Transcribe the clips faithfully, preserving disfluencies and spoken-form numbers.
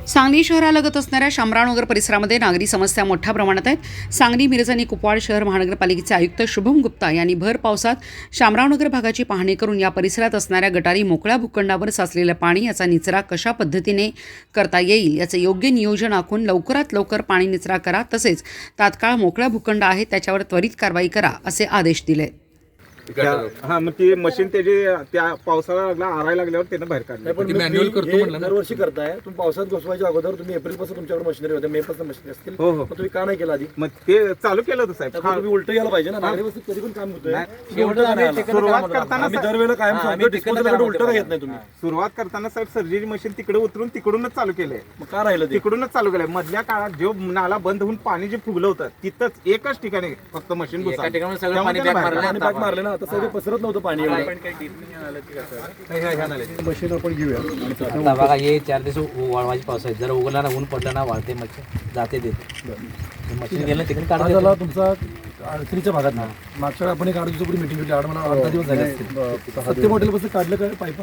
सांगली शहरालगत असणाऱ्या शामरावनगर परिसरामध्ये नागरी समस्या मोठ्या प्रमाणात आहेत। सांगली मिरज आणि कुपवाड शहर महानगरपालिकेचे आयुक्त शुभम गुप्ता यांनी भर पावसात शामरावनगर भागाची पाहणी करून या परिसरात असणाऱ्या गटारी मोकळ्या भूखंडावर साचलेलं पाणी याचा निचरा कशा पद्धतीने करता येईल याचे योग्य नियोजन आखून लवकरात लवकर पाणी निचरा करा, तसेच तात्काळ मोकळ्या भूखंड आहे त्याच्यावर त्वरित कारवाई करा असे आदेश दिले। हा मग ती मशीन त्याची त्या पावसाला लागला आरायला लागल्यावर त्यानं बाहेर काढलं। पण मॅन्युअल करतो म्हणलं दरवर्षी करताय तुम्ही पावसात घुसवायच्या अगोदर तुम्ही एप्रिल पासून तुमच्याकडे मशिनरी होते, मे पासून मशिनरी असतील, हो हो तुम्ही का नाही केला आधी? मग ते चालू केलं होतं साहेब। तुम्ही उलट यायला पाहिजे ना, नागरी वस्तीत कधी पण काम होतंय। सुरुवात करताना आम्ही दरवेळेला कायम सांगतो डिस्पोजलकडे उलट का येत नाही तुम्ही? सुरुवात करताना साहेब सर्जरी मशीन तिकडे उतरून तिकडूनच चालू केलंय। मग का राहिलं ते? तिकडूनच चालू केलंय। मधल्या काळात जो नाला बंद होऊन पाणी जे फुगलं होतं तिथंच एकच ठिकाणी फक्त मशीन घुसवलं, पाणी मारले ना, आता सगळं पसरत नव्हतं पाणी। मशीन आपण घेऊया। आता बघा हे चार दिवस वाळवायची पाऊस आहे, जर उगला ना ऊन पडलं ना वाळते मच्छर जाते देते मशीन गेलं तिकडे काढा काढा झाला तुमचा अडचणीच्या भागात ना। मागच्या वेळी आपण एक आठ दिवसापूर्वी मीटिंग घेतली, आठ मला अर्धा दिवस झाले असतील। सत्य मॉडेलपासून काढलं का पाईपा?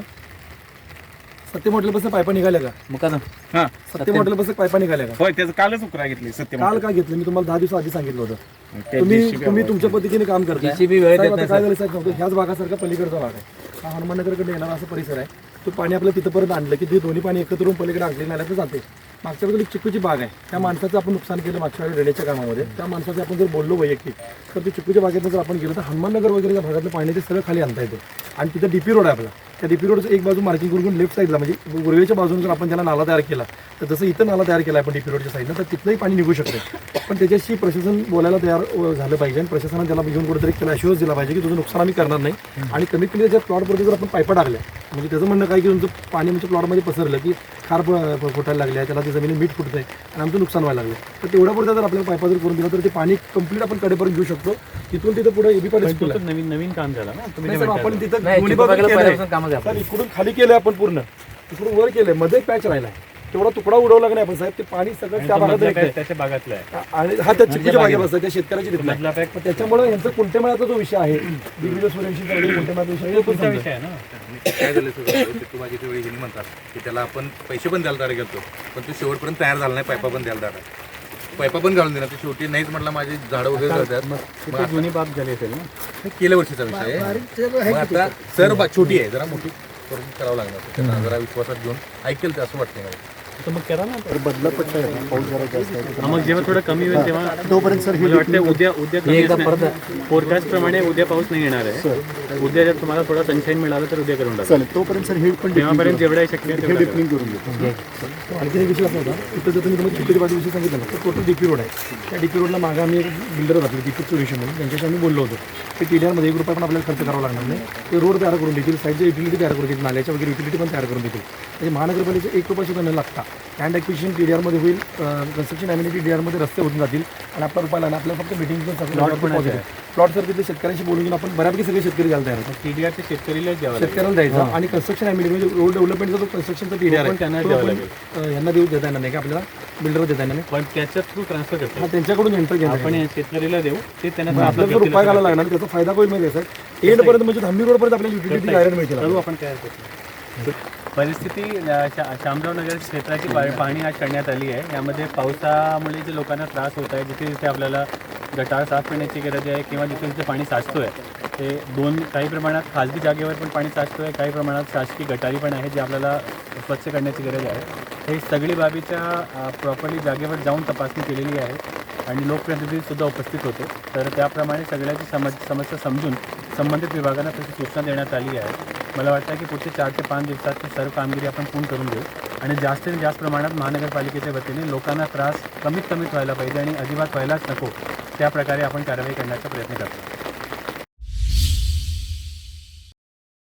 सत्य मॉडेलपासून पाईपा निघाल्या का? मग का हा सत्य मॉडेलपासून पाईपा निघाल्या का? होय, त्याचं कालच उकरा घेतली सत्य। काल का घेतलं? मी तुम्हाला दहा दिवस आधी सांगितलं होतं। तुम्ही तुम्ही तुमच्या पद्धतीने काम करताय। जेसीबी वेळेत येत साहेब, आता नाही काय झालं साहेब सांगतो, ह्याच भागासारखा पलीकडचा भाग आहे, हा हनुमाननगरकडे येणारा असा परिसर आहे। तो पाणी आपल्या तिथपर्यंत आणलं की ते दोन्ही पाणी एकत्र होऊन पलीकडे आणले नाल्यात जाते। मागच्या वेळेला एक चिक्कूची बाग आहे, त्या माणसाचं आपण नुकसान केलं मागच्या वेळी रेड्याच्या कामामध्ये। त्या माणसाचं आपण जर बोललो वैयक्तिक तर ते चिक्कूच्या बागेतनं जर आपण गेलो तर हनुमाननगर वगैरे भागातलं पाणी ते सगळं खाली आणता येते। आणि तिथं डीपी रोड आहे आपला, त्या डीपी रोडचं एक बाजू मार्किंग करून लेफ्ट साईडला म्हणजे उर्वेच्या बाजून जर आपण त्याला नाला तयार केला तर जसं इथं नाला तयार केला आपण डीपी रोडच्या साईडला, तर तिथलंही पाणी निघू शकते। पण त्याच्याशी प्रशासन बोलायला तयार झालं पाहिजे आणि प्रशासनाने त्याला घेऊन कुठेतरी त्याला अश्युअन्स दिला पाहिजे की तुझं नुकसान आम्ही करणार नाही। आणि कमीत कमी त्याच्या प्लॉटवरती जर आपण पाईपा टाकल्या म्हणजे त्याचं म्हणणं काय की तुमचं पाणी म्हणजे प्लॉटमध्ये पसरलं की खार फुटायला लागले, त्याला ते जमिनी मीठ फुटतंय आणि आमचं नुकसान व्हायला लागलं, तर तेवढ्या पुढे जर आपल्याला पाईपा जर करून दिला तर ते पाणी कंप्लीट आपण कडेपर्यंत घेऊ शकतो। तिथून तिथं पुढे एबी पाणी नवीन नवीन काम झालं ना तुम्ही? आपण तिथं नाही, दोन्ही चिपळूण बाजूला बघायला केलंय. कामच आहे आपलं. तर इकडून खाली केलंय आपण पूर्ण, इकडून वर केलंय, मध्ये पॅच राहिला तेवढा तुकडा उडवला नाही आपण साहेब, ते पाणी सगळं त्या भागात येतंय. त्याच्या भागातलं आहे आणि हा त्या चिक्कीच्या बागेत असतं, त्या शेतकऱ्याची तिथला आहे। त्याच्यामुळे यांचा कुंटेमेळाचा जो विषय आहे दिग्विजय सूर्यवंशी कुंटेमेळाचा विषय आहे, तो पण विषय आहे ना। काय झालं सगळं चिक्कू भाजीच्या वेळी हिंदी म्हणतात की त्याला आपण पैसे पण द्यायला तयार गेलो, पण तो शेवटपर्यंत तयार झाला नाही, पायपा पण द्यायला तयार पायपा पण घालून देणार, ते शेवटी नाहीच म्हटलं माझी झाडं वगैरे करतात। मग जुनी बाब झाली असेल ना, गेल्या वर्षीचा विषय आहे। मग आता सर छोटी आहे, जरा मोठी करून करावं लागणार, त्यांना जरा विश्वासात घेऊन ऐकेल ते असं वाटतं मला। तर मग करा ना, तर बदला पडतंय पाऊस जरा जास्त आहे। हा, मग जेव्हा थोडं कमी होईल तेव्हा तोपर्यंत सर मला वाटतं उद्या उद्या कमी फोरकास्ट प्रमाणे उद्या पाऊस नाही येणार आहे। उद्या जर तुम्हाला थोडा सनशाईन मिळालं तर उद्या करून टाका। चालेल, तोपर्यंत सर हे पण तेव्हापर्यंत जेवढं शक्य आहे तेवढं डिप्लिंग करून घेतो। आणखी एक विषय असा होता, तिथं जर तुम्ही तुम्हाला चिक्कूच्या बाजूविषयी सांगितलं ना, तर टोटल डीपी रोड आहे। त्या डीपी रोडला मागं आम्ही एक बिल्डर होतो दीपक सोल्युशन म्हणून, त्यांच्याशी आम्ही बोललो होतो की टी डी आरमध्ये एक रुपया पण आपल्याला खर्च करावा लागणार नाही, ते रोड तयार करून देतील, साईडच्या युटिलिटी तयार करून देतील, नाल्याच्या वगैरे युटिलिटी पण तयार करून देतील। म्हणजे महानगरपालिकेचं एक रुपया सुद्धा न लागता लँड ॲक्विजिशन टी डी आरमध्ये होईल, कन्स्ट्रक्शन ॲम्युनिटी टी डी आरमध्ये रस्ते होऊन जातील आणि आपला रुपयाला आपल्याला फक्त मिटिंग प्लॉट सर तिथे शेतकऱ्यांशी बोलून घेऊन आपण बऱ्यापैकी सगळे शेतकरी घालता येणार टीडीआरचे शेतकरीला द्यावं शेतकऱ्याला द्यायचा। आणि कन्स्ट्रक्शन ॲम्युनिटी म्हणजे रोड डेव्हलपमेंटचा जो कन्स्ट्रक्शनचा टी डी आर आहे त्यांना तो द्यावं आपण यांना देऊ देता येणार नाही का, आपल्याला बिल्डर देता येणार नाही, पण त्याच्या थ्रू ट्रान्सफर करतो हा त्यांच्याकडून एंटर घ्या आपण शेतकरीला देऊ, ते त्यांना आपल्याला जो रुपया घालायला लागणार त्याचा फायदा होईल माहिती आहे सर, एंडपर्यंत म्हणजे धामणी रोडपर्यंत आपल्याला युटिलिटी डायरेक्ट मिळतील। करू आपण काय करतो। परिस्थिती शामरावनगर क्षेत्राची पाहणी आज करण्यात आली आहे। यामध्ये पावसामुळे जे लोकांना त्रास होत आहे, जिथे जिथे आपल्याला गटार साफ करण्याची गरज आहे किंवा जिथे जिथे पाणी साचतो आहे ते दोन काही प्रमाणात खाजगी जागेवर पण पाणी साचतो आहे, काही प्रमाणात शासकीय गटारी पण आहे जे आपल्याला स्वच्छ करण्याची गरज आहे। हे सगळी बाबीच्या प्रॉपरली जागेवर जाऊन तपासणी केलेली आहे आणि लोकप्रतिनिधीसुद्धा उपस्थित होते। तर त्याप्रमाणे सगळ्याची समज समस्या समजून संबंधित विभागांना तशी सूचना देण्यात आली आहे। मला वाटतं की पुढचे चार ते पाच दिवसात ती सर्व कामगिरी आपण पूर्ण करून देऊ आणि जास्तीत जास्त प्रमाणात महानगरपालिकेच्या वतीने लोकांना त्रास कमीत कमीत व्हायला पाहिजे आणि अजिबात व्हायलाच नको त्या प्रकारे आपण कारवाई करण्याचा प्रयत्न करतो।